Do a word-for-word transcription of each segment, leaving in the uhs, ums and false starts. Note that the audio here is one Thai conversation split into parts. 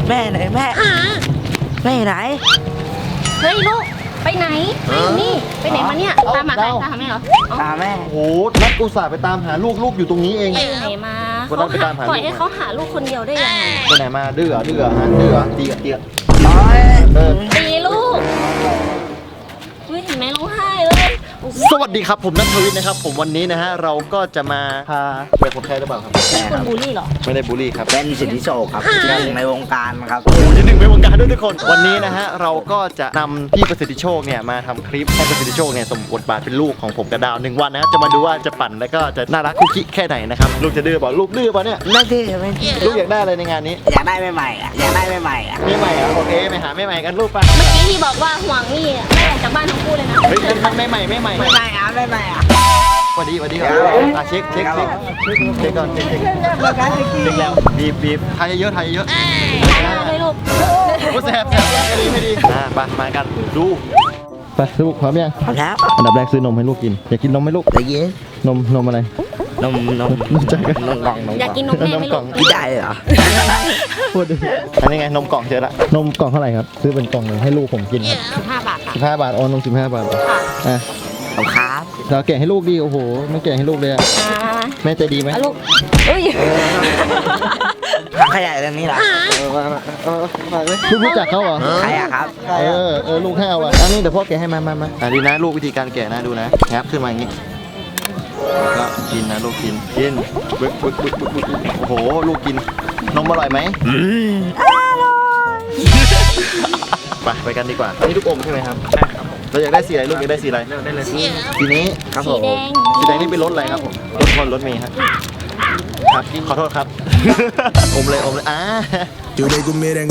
แม่ไหนแม่แม่ไหนเฮ้ยลูกไปไหนไปนี่ไปไหนมาเนี่ยตามหาใครตามหาแม่เหรอตามแม่โอ้โหนัดอุตส่าห์ไปตามหาลูกลูกอยู่ตรงนี้เองไปไหนมาเขาปล่อยให้เขาหาลูกคนเดียวได้ยังไงไปไหนมาดื้อดื้อฮะดื้อตีเตียตีลูกเฮ้ยเห็นไหมร้องไห้เลยสวัสดีครับผมนัทวิทย์นะครับผมวันนี้นะฮะเราก็จะมาพาไปคนไข้หรือเปล่าครับคุณบูลลี่เหรอไม่ได้บูลลี่ครับเป็นสิทธิโชคครับหนึ่งในวงการครับโอ้ยหนึ่งในวงการด้วยทุกคนวันนี้นะฮะเราก็จะนำพี่ประสิทธิโชคเนี่ยมาทำคลิปให้ประสิทธิโชคเนี่ยสมบทบาทเป็นลูกของผมกับดาวหนึ่งวันนะจะมาดูว่าจะปั่นแล้วก็จะน่ารักคุกกี้แค่ไหนนะครับลูกจะดื้อเปล่าลูกดื้อเปล่าเนี่ยไม่ดื้อไม่ดื้อลูกอยากได้อะไรในงานนี้อยากได้ใหม่ๆอ่ะอยากได้ใหม่ๆอ่ะไม่ใหม่อ่ะโอเคไปหาไม่ใหม่กันลูกไปเมื่อกี้ที่บอกว่าห่วงนี่แม่ออกจากบ้านทั้งคู่เลยนะเฮ้ยมันไม่ใหม่ไม่ใหม่ไม่ใหม่อ่ะไม่ใหม่อ่ะสวัสดีสวัสดีครับอ่ะเช็คเช็คเช็คเช็คก่อนเช็คเช็คเช็คแล้วบีบบีบทายเยอะทายเยอะเลยลูกโอ้แสบแสบไม่ดีไม่ดีอ่ะไปมากันดูไปลูกพร้อมยังพร้อมแล้วอันดับแรกซื้อนมให้ลูกกินอยากกินนมไหมลูกอยากกินนมนมอะไรนมนมนมจักรนมกล่องนมอยากกินนมแม่ไหมลูกกินได้เหรอพูดดิอันนี้ไงนมกล่องเจอละนมกล่องเท่าไหร่ครับซื้อเป็นกล่องเลยให้ลูกผมกินครับสิบห้าบาทค่ะสิบห้าบาทอ๋อนมสิบห้าบาทอ่ะขอบครับเราแกะให้ลูกดิโอ้โหไม่แกะให้ลูกเลยแม่ใจดีไหมลูกเอ้ยขยายเรื่องนี้เหรอลูกรู้จักเขาเหรอใครอะครับเออเออลูกให้เอาอ่ะอันนี้เดี๋ยวพ่อแกะให้มามามาอ่ะดีนะลูกวิธีการแกะนะดูนะแงบขึ้นมาอย่างงี้ก็กินนะลูกกินกินบึกบึกบึกบึกบึกโอ้โหลูกกินนมอร่อยไหมอืมอร่อยไปไปกันดีกว่านี่ลูกอมใช่ไหมครับใช่ครับเราอยากได้สีอะไรลูกอยากได้สีอะไรได้เลยสีนี้ครับผมสีแดงนี่เป็นรถอะไรครับผมรถคนรถเมย์ครับครับขอโทษครับอมเลยอมเลยอ่าสวัส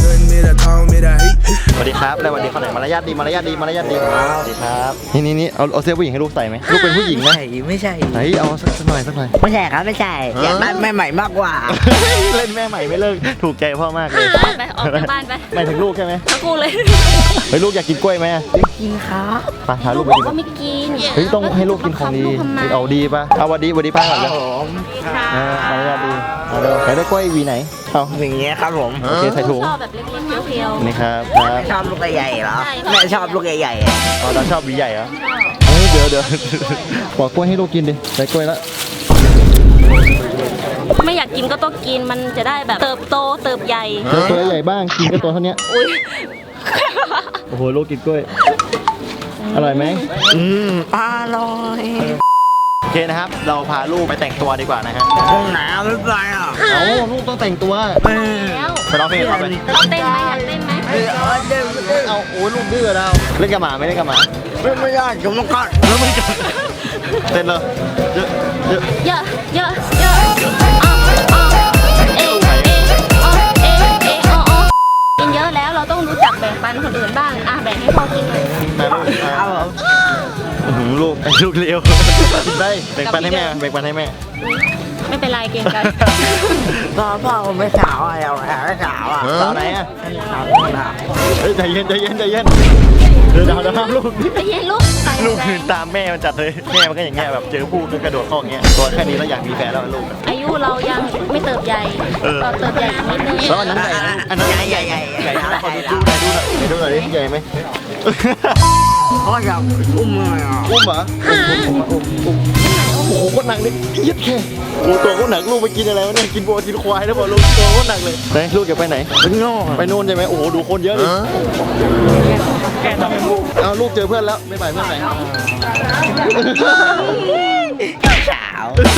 ดีครับแล้ววันนี้คนไหนมารยาทดีมารยาทดีมารยาทดีสวัสดีครับนี่นี่นี่เอาเอาเสื้อผู้หญิงให้ลูกใส่ไหมลูกเป็นผู้หญิงนะไม่ใช่ไหนเอาสักหน่อยสักหน่อยไม่ใช่ครับไม่ใช่อยากได้แม่ใหม่มากกว่าเล่นแม่ใหม่ไม่เลิกถูกใจพ่อมากเลยไปออกจากบ้านไปไม่ถึงลูกใช่ไหมทั้งคู่เลยเฮ้ยลูกอยากกินกล้วยไหมอยากกินครับไปหาลูกไปบอกว่าไม่กินเฮ้ยต้องให้ลูกกินของดีเอาดีป่ะเอาวันดีวันดีป้าก่อนเลยอ่ามารยาทดีเอาเร็วใครได้กล้วยวีไหนเอาอย่างเงี้ยครับผมโอเคใส่ถุงชอบแบบเล็กๆเพียวๆนี่ครับครับชอบลูกใหญ่เหรอแม่ชอบลูกใหญ่อ๋อเราชอบวีใหญ่เหรอเฮ้ยเดี๋ยวเดี๋ยวบอกกล้วยให้ลูกกินดิใส่กล้วยแล้วไม่อยากกินก็ต้องกินมันจะได้แบบเติบโตเติบใหญ่ตัวใหญ่บ้างกินก็ตัวเท่านี้อุ้ยโอ้โหลูกกินกล้วยอร่อยไหมอืมอร่อยโอเคนะครับเราพาลูกไปแต่งตัวดีกว่านะฮะห้องน้ำไม่ไปอ่ะเอาลูกต้องแต่งตัวแล้วไปร้องเพลงเอาไปเราเต้นไหมอยากเต้นไหมเออเต้นเต้นเอาโอ้ยลูกดื้อเราเล่นกับหมาไม่เล่นกับหมาไม่ไม่ได้ผมต้องกัดแล้วไม่กัดเต้นเลยเยอะเยอะเยอะเยอะเยอะอ๋ออ๋อเอเออ๋อเอเออ๋ออ๋อกินเยอะแล้วเราต้องรู้จักแบ่งปันคนอื่นบ้างอ่ะแบ่งให้พ่อกินหน่อยครับผมลูกไอ้ลูกเลี้ยวกินได้แบ่งปันให้แม่แบ่งปันให้แม่ไม่เป็นไรเก่งกันพ่อพ่อผมไม่สาวอะไรไม่สาวอ่ะสาวไหนอ่ะสาวหน้าเฮ้ยใจเย็นใจเย็นใจเย็นเดี๋ยวเดี๋ยวห้ามลูกใจเย็นลูกลูกคืนตามแม่มันจัดเลยแม่มันก็อย่างเงี้ยแบบเจอผู้ก็กระโดดเข้าอย่างเงี้ยตัวแค่นี้แล้วอยากมีแฟนแล้วลูกอายุเรายังไม่เติบใหญ่ต่อเติบใหญ่นิดนึงแล้วอันนั้นใหญ่อันนั้นใหญ่ใหญ่ใหญ่ใหญ่ขอดูหน่อยดูหน่อยดูหน่อยดิใหญ่ไหมพ่ออยากอุ้มเลยอ่ะอุ้มเหรอโอ้โหโคตรหนักเลยยึดแค่โอ้ตัวโคตรหนักลูกไปกินอะไรวะเนี่ยกินโบกินควายแล้วบอกลูกตัวโคตรหนักเลยไหนลูกอยากไปไหนไปโน่นไปโน่นใช่ไหมโอ้โหดูคนเยอะเลยแกทำไมลูกเอาลูกเจอเพื่อนแล้วไม่ไปเพื่อนไหนสาว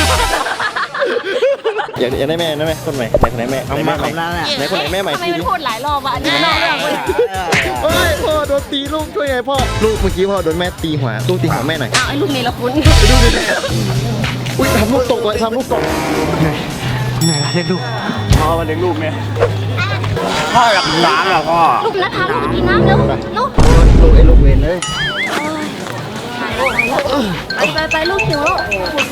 อยากอยากได้แม่ได้ไหมคนใหม่ไหนคนไหนแม่ไหนแม่ใหม่ไหนคนไหนแม่ใหม่ทำไมไม่พูดหลายรอบอ่ะนี่นอกเรื่องเลยเฮ้ยพ่อโดนตีลูกช่วยไงพ่อลูกเมื่อกี้พ่อโดนแม่ตีหัวลูกตีหัวแม่หน่อยอ้าวไอ้ลูกเนรคุณไปดูดิอุ้ยทำลูกตกเลยทำลูกตกเหนื่อยเลี้ยงลูกพ่อมาเลี้ยงลูกเนี่ยพ่ออยากกินน้ำเหรอพ่อลูกนัดพาลูกกินน้ำเร็วลูกลูกไอ้ลูกเวนเลยไปไปไปลูกหิวลูก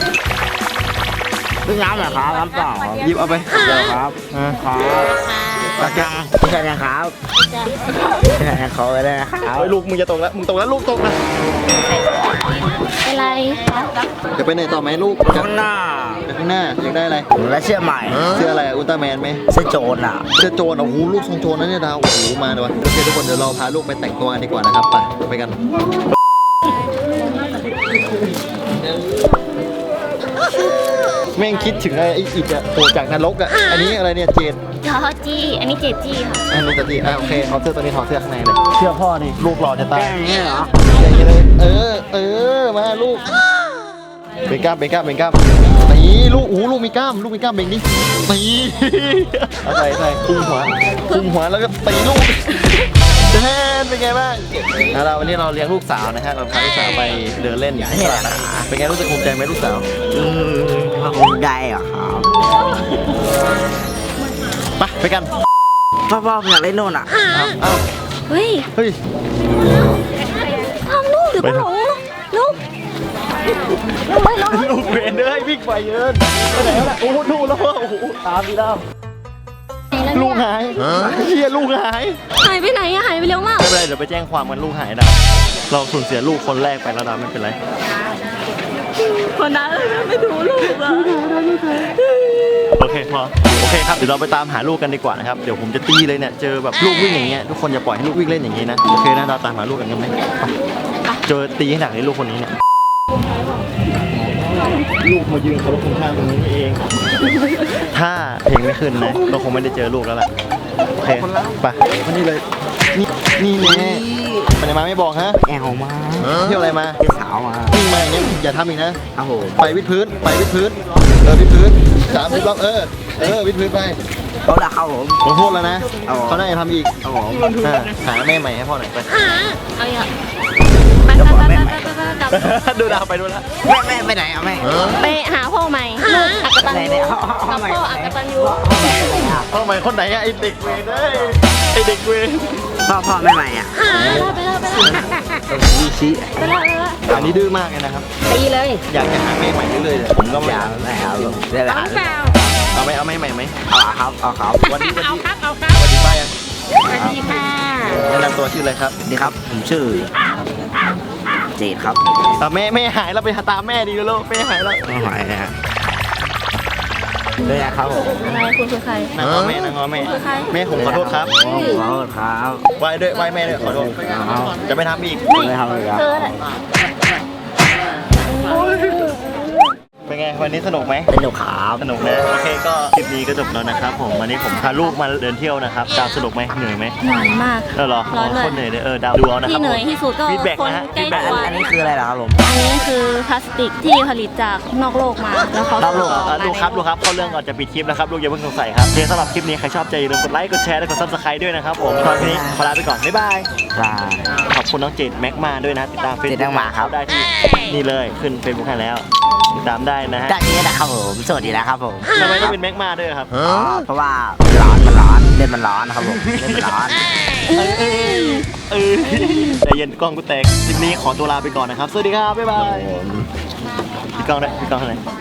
กินน้ำเหรอครับน้ำเปล่าหยิบเอาไปครับครับกระจังไม่ใช่นะครับไม่ใช่เขาเลยนะครับเฮ้ยลูกมึงจะตกแล้วมึงตกแล้วลูกตกนะเป็นไรจะไปไหนต่อไหมลูกข้างหน้าไปข้างหน้าอยากได้อะไรและเชื่อใหม่เสื้ออะไรอุลตร้าแมนไหมเสื้อโจรอ่ะเสื้อโจรโอ้โหลูกทรงโจรนะเนี่ยดาวโอ้โหมาเลยวะโอเคทุกคนเดี๋ยวเราพาลูกไปแต่งตัวกันดีกว่านะครับไปไปกันแม่งคิดถึงไอ้อีกอะโผล่จากนรกอะอันนี้อะไรเนี่ยเจดจอจี้อันนี้เจจี้ค่ะอันนี้จะดีอ่ะโอเคเอาเสื้อตัวนี้ถอดเสื้อข้างในเลยเชื่อพ่อนี่ลูกหล่อจะตายแก้อย่างนี้เหรออย่างนี้เลยเออเออมาลูกเบงกล้ามเบงกล้ามเบงกล้ามนี่ลูกโอ้ลูกมีกล้ามลูกมีกล้ามเบงดินี่เอาใส่ใส่คุมหัวคุมหัวแล้วก็ตีลูกแทนเป็นไงบ้างแล้วเราวันนี้เราเลี้ยงลูกสาวนะฮะเราพาลูกสาวไปเดินเล่นอย่างนี้แหละนะเป็นไงรู้สึกภูมิใจไหมลูกสาวอืมคงได้เหรอครับไปไปกันพ่อพ่อผมอยากเล่นโน่นอ่ะเอาเอาเฮ้ยเฮ้ยทำลูกเดี๋ยวก็หลงลูกไม่หลงลูกเวนเด้ยวิ่งไปเยินไปไหนแล้วล่ะโอ้โหดูแล้วโอ้โหตามดีแล้วลูกหายเฮียลูกหายหายไปไหนอะหายไปเร็วมากไม่เป็นไรเดี๋ยวไปแจ้งความกันลูกหายดาวเราสูญเสียลูกคนแรกไปแล้วดาวไม่เป็นไรคนนั้นไม่ดูลูกอะโอเคพอโอเคครับเดี๋ยวเราไปตามหาลูกกันดีกว่านะครับเดี๋ยวผมจะตีเลยเนี่ยเจอแบบลูกวิ่งอย่างเงี้ยทุกคนอย่าปล่อยให้ลูกวิ่งเล่นอย่างงี้นะโอเคนะเราตามหาลูกกันกันไหมไปเจอตีให้หนักเลยลูกคนนี้เนี่ยลูกมายืนเขาคุณค่าตรงนี้เอง ถ้าเพลงไม่ขึ้นนะเราคงไม่ได้เจอลูกแล้วแหละโอเคไปวันนี้เลยนี่นี่แน่ไปไหนมาไม่บอกฮะแอลมาเที่ยวอะไรมาเที่ยวสาวมาวิ่งมาอย่างเงี้ยอย่าทำอีกนะครับผมไปวิดพื้นไปวิดพื้นเออวิดพื้นสามสิบรอบเออเออวิดพื้นไปเขาละครับผมขอโทษแล้วนะเอาเหรอเขาได้ทำอีกครับผมอ่าหาแม่ใหม่ให้พ่อหน่อยไปหาเอาอย่าไปไปไปไปไปกลับดูดาวไปดูแล้วแม่แม่ไปไหนอ่ะแม่ไปหาพ่อใหม่ลูกอักตันไหนยูเนี่ยกับพ่ออักตันยูพ่อใหม่คนไหนอะไอเด็กเวรเอ้ยไอเด็กเวรพ่อพ่อแม่ใหม่อ่ะหาไปแล้วไปแล้วไปแล้วมีชี้ไปแล้วไปแล้วอันนี้ดื้อมากเลยนะครับตีเลยอยากจะหาแม่ใหม่เรื่อยๆเลยผมก็อไม่ยากได้ครับผมได้ละเอาเปล่าเอาไหมเอาแม่ใหม่ไหมเอาอะครับเอาครับวันนี้วันเอานี้ครับเอาครับวันนี้ป้ายังสวัสดีค่ะแนะนำตัวชื่ออะไรครับนี่ครับผมชื่อเจดครับอ่ะแม่แม่หายแล้วไปหาตามแม่ดีแล้วแม่หายแล้วไม่ไหวนะฮะเลยอะครับผมอะไรคุณคือใครนางงอแม่นางงอแม่คือใครแม่ผมขอโทษครับขอโทษครับไหว้ด้วยไหว้แม่ด้วยขอโทษจะไม่ทำอีกไม่ทำเลยครับเธอแหละเป็นไงวันนี้สนุกไหมเป็นหนูครับสนุกนะโอเคก็คลิปนี้ก็จบแล้วนะครับผมวันนี้ผมพาลูกมาเดินเที่ยวนะครับดาวสนุกไหมเหนื่อยไหมเหนื่อยมากเออเหรอร้อนเลยคนเหนื่อยเลยเออดาวดูเอานะคที่รับเหนื่อยที่สุดก็ฟีดแบ็กคนนะฮะใกล้ feedback ตัวอันนี้คืออะไรล่ะครับผมอันนี้คือพลาสติกที่ผลิตจากนอกโลกมาแล้วเขานอกโลกส่งอ่ะมาดูครับดูครับเข้าเรื่องก่อนจะปิดคลิปนะครับลูกอย่าเพิ่งสงสัยครับโอเคสำหรับคลิปนี้ใครชอบใจอย่าลืมกดไลค์กดแชร์และกดซับสไครต์ด้วยนะครับผมตอนนี้ขอลาไปก่อนบ๊ายบายครับขอบคุณน้องเจดแม็กมาด้วยนะติดตามเฟซเจดแม็กมาครับได้ที่นี่เลยขึ้นเฟซบุ๊กให้แล้วติดตามได้นะฮะจากนี้นะครับผมสวัสดีนะครับผมทำไมต้องเป็นแม็กมาด้วยครับอ๋อเพราะว่าร้อนมันร้อนเล่นมันร้อนนะครับผมเล่นมันร้อนเออเออเออใจเย็นกล้องกูแตกคลิปนี้ขอตัวลาไปก่อนนะครับ สวัสดีครับ บ๊ายบายพี่กล้องด้วยพี่กล้องเท่าไหร่